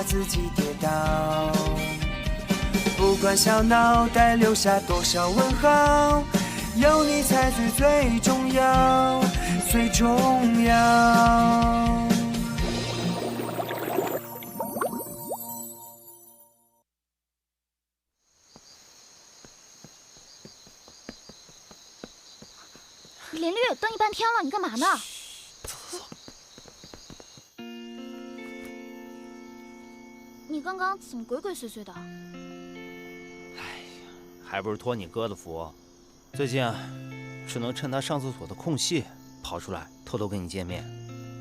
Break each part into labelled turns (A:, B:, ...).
A: 怕自己跌倒。不管小脑袋留下多少问号，有你才是最重要，最重要。
B: 林绿，等你半天了，你干嘛呢？
C: 走。
B: 你刚刚怎么鬼鬼祟祟的？
C: 哎呀，还不是托你哥的福，最近啊，只能趁他上厕所的空隙跑出来，偷偷跟你见面。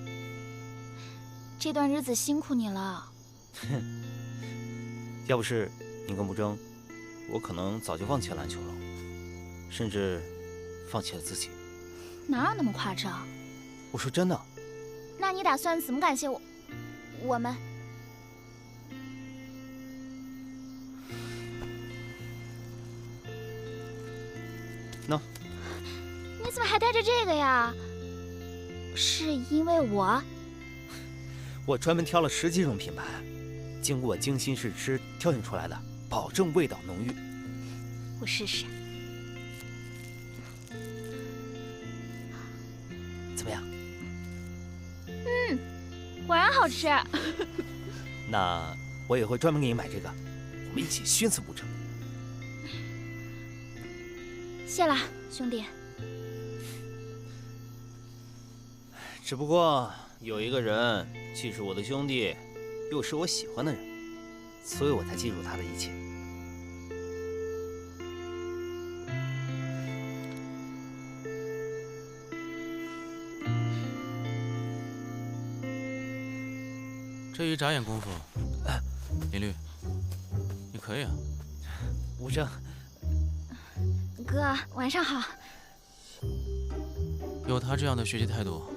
B: 这段日子辛苦你了。
C: 哼，要不是你跟不争，我可能早就放弃篮球了，甚至放弃了自己。
B: 哪有那么夸张？
C: 我说真的。
B: 那你打算怎么感谢我们？
C: 喏，
B: 你怎么还带着这个呀？是因为我
C: 专门挑了10几种品牌，经过精心试吃挑选出来的，保证味道浓郁。
B: 我试试。
C: 怎么样？
B: 果然好吃。
C: 那我也会专门给你买这个，我们一起熏死不成？
B: 谢了，兄弟。
C: 只不过有一个人既是我的兄弟，又是我喜欢的人，所以我才记住他的一切。
D: 这一眨眼功夫，林绿，你可以啊。
C: 无争，
B: 哥，晚上好。
D: 有他这样的学习态度，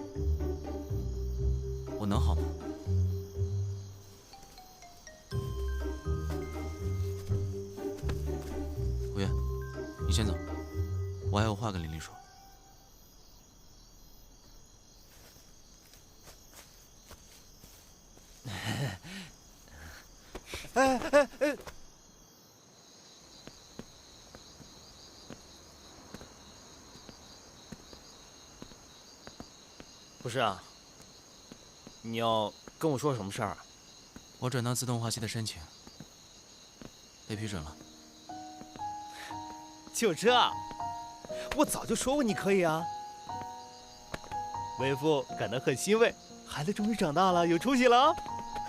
D: 我能好吗？吴越，你先走，我还有话跟林绿说。
C: 不是啊，你要跟我说什么事儿啊？
D: 我转到自动化系的申请被批准了。
C: 就这，我早就说过你可以啊。为父感到很欣慰，孩子终于长大了，有出息了啊。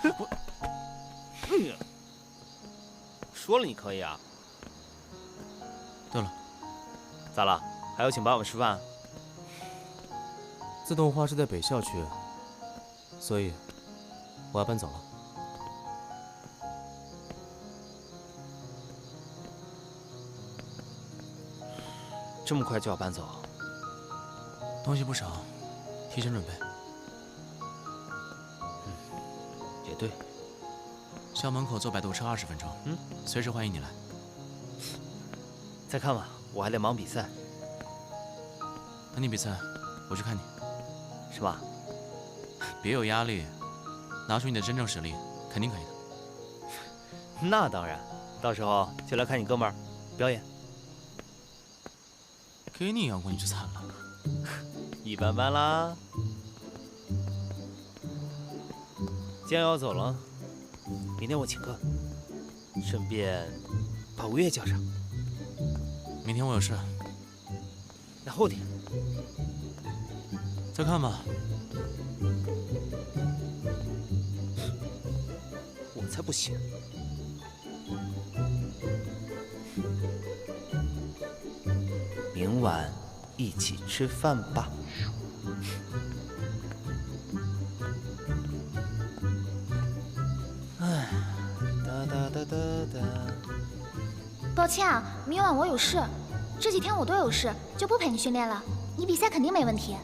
C: 说了你可以啊。
D: 对了，
C: 咋了？还要请爸爸吃饭？
E: 自动化是在北校区，所以我要搬走了。
C: 这么快就要搬走？
D: 东西不少，提前准备。
C: 也对。
D: 校门口坐摆渡车20分钟，随时欢迎你来。
C: 再看吧，我还得忙比赛。
D: 等你比赛，我去看你。
C: 是吧？
D: 别有压力，拿出你的真正实力，肯定可以的。
C: 那当然，到时候就来看你哥们儿表演。
D: 给你养过你就惨了。
C: 一般般啦。既然要走了，明天我请客，顺便把吴越叫上。
D: 明天我有事。
C: 那后天。
D: 再看吧。
C: 我才不信。明晚一起吃饭吧。哎，哒哒哒哒哒。
B: 抱歉啊，明晚我有事，这几天我都有事，就不陪你训练了。你比赛肯定没问题。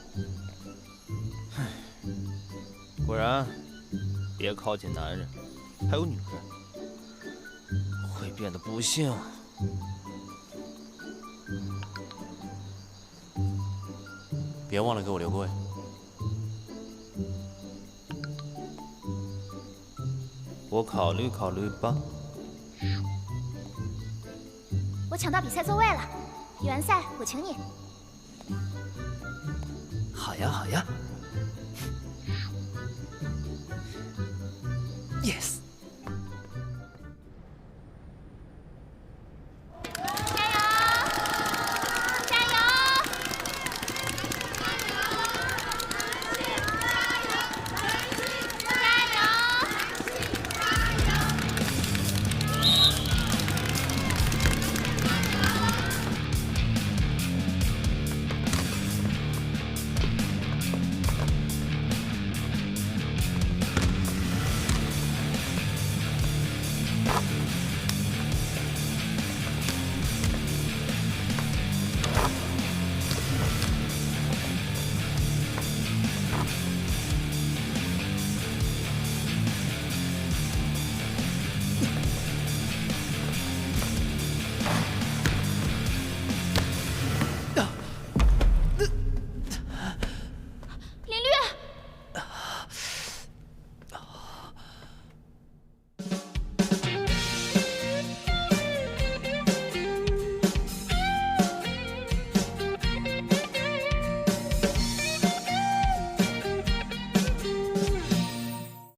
C: 果然，别靠近男人，还有女人，会变得不幸。
E: 别忘了给我留个位。
C: 我考虑考虑吧。
B: 我抢到比赛座位了，比完赛我请你。
C: 好呀，好呀。